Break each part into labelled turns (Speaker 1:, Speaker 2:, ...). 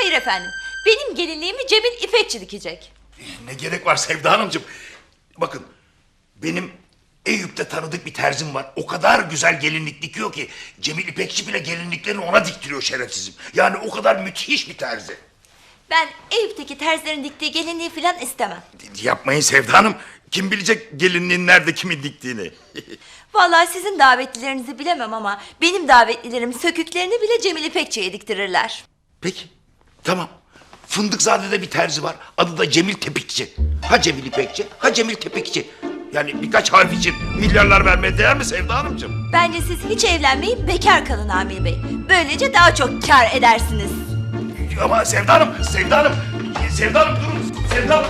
Speaker 1: Hayır efendim. Benim gelinliğimi Cemil İpekçi dikecek.
Speaker 2: Ne gerek var Sevda Hanımcığım? Bakın, benim Eyüp'te tanıdık bir terzim var. O kadar güzel gelinlik dikiyor ki Cemil İpekçi bile gelinliklerini ona diktiriyor şerefsizim. Yani o kadar müthiş bir terzi.
Speaker 1: Ben Eyüp'teki terzilerin diktiği gelinliği falan istemem.
Speaker 2: Yapmayın Sevda Hanım. Kim bilecek gelinliğin nerede kimin diktiğini?
Speaker 1: Vallahi sizin davetlilerinizi bilemem ama benim davetlilerim söküklerini bile Cemil İpekçi'ye diktirirler.
Speaker 2: Peki, tamam. Fındıkzade'de bir terzi var. Adı da Cemil Tepikçi. Ha Cemil İpekçi, ha Cemil Tepikçi. Yani birkaç harf için milyarlar vermeye değer mi Sevda Hanımcığım?
Speaker 1: Bence siz hiç evlenmeyin, bekar kalın Amir Bey. Böylece daha çok kar edersiniz.
Speaker 2: Ama Sevda Hanım, Sevda Hanım, Sevda Hanım durun, Sevda Hanım.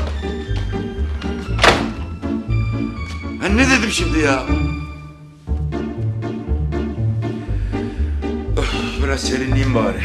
Speaker 2: Ben ne dedim şimdi ya? Biraz serinleyeyim bari.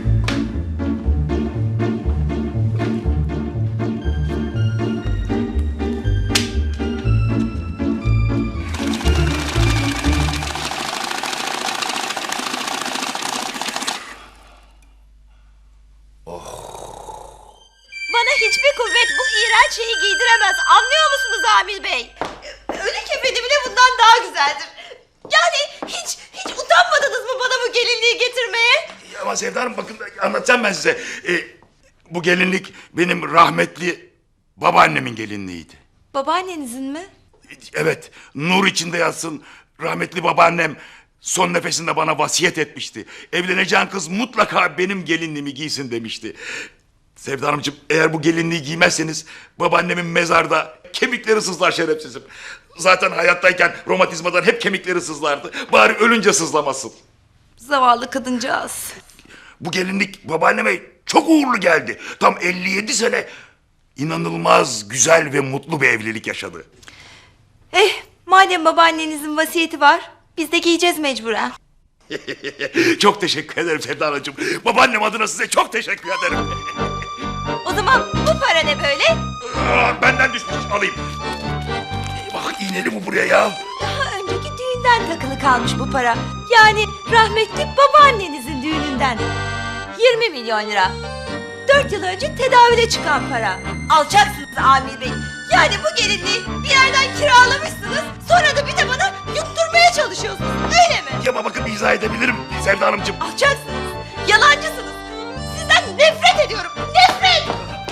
Speaker 1: Bana hiçbir kuvvet bu iğrenç şeyi giydiremez. Anlıyor musunuz Amir Bey? Ölü kefeni bile bundan daha güzeldir. Yani hiç utanmadınız mı bana bu gelinliği getirmeye?
Speaker 2: Ama Sevda Hanım bakın anlatacağım ben size. Bu gelinlik benim rahmetli babaannemin gelinliğiydi.
Speaker 1: Babaannenizin mi?
Speaker 2: Evet, nur içinde yatsın. Rahmetli babaannem son nefesinde bana vasiyet etmişti. Evleneceğin kız mutlaka benim gelinliğimi giysin demişti. Sevda Hanımcığım, eğer bu gelinliği giymezseniz babaannemin mezarda kemikleri sızlar şerefsizim. Zaten hayattayken romatizmadan hep kemikleri sızlardı. Bari ölünce sızlamasın.
Speaker 1: Zavallı kadıncağız.
Speaker 2: Bu gelinlik babaanneme çok uğurlu geldi. Tam 57 sene inanılmaz güzel ve mutlu bir evlilik yaşadı.
Speaker 1: Madem babaannenizin vasiyeti var, biz de giyeceğiz mecburen.
Speaker 2: Çok teşekkür ederim Sevda Hanımcığım. Babaannem adına size çok teşekkür ederim.
Speaker 1: O zaman bu para ne böyle?
Speaker 2: Benden düşmüş, alayım. Bak iğneli bu buraya ya.
Speaker 1: Daha önceki düğünden takılı kalmış bu para. Yani rahmetli babaannenizin düğününden. 20 milyon lira. 4 yıl önce tedavüle çıkan para. Alçaksınız Amir Bey. Yani bu gelinliği bir yerden kiralamışsınız. Sonra da bir de bana yutturmaya çalışıyorsunuz. Öyle mi?
Speaker 2: Ya bakın izah edebilirim Sevda Hanımcığım.
Speaker 1: Alçaksınız. Yalancısınız. Sizden nefret ediyorum. Nefret!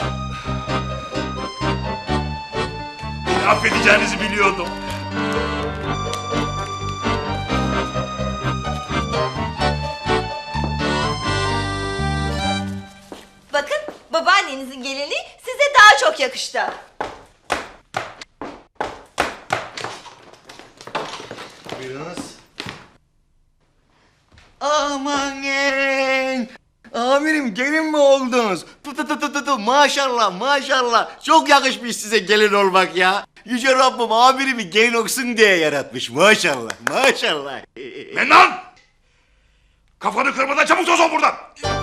Speaker 2: Beni affedeceğinizi biliyordum.
Speaker 1: Bakın babaannenizin gelinliği size daha çok yakıştı.
Speaker 3: Buyurunuz. Amanın! Amirim gelin mi oldunuz? Maşallah maşallah. Çok yakışmış size gelin olmak ya. Yüce Rabbim amirimi gelin olsun diye yaratmış. Maşallah maşallah.
Speaker 2: Mennan! Kafanı kırmadan çabuk toz ol buradan.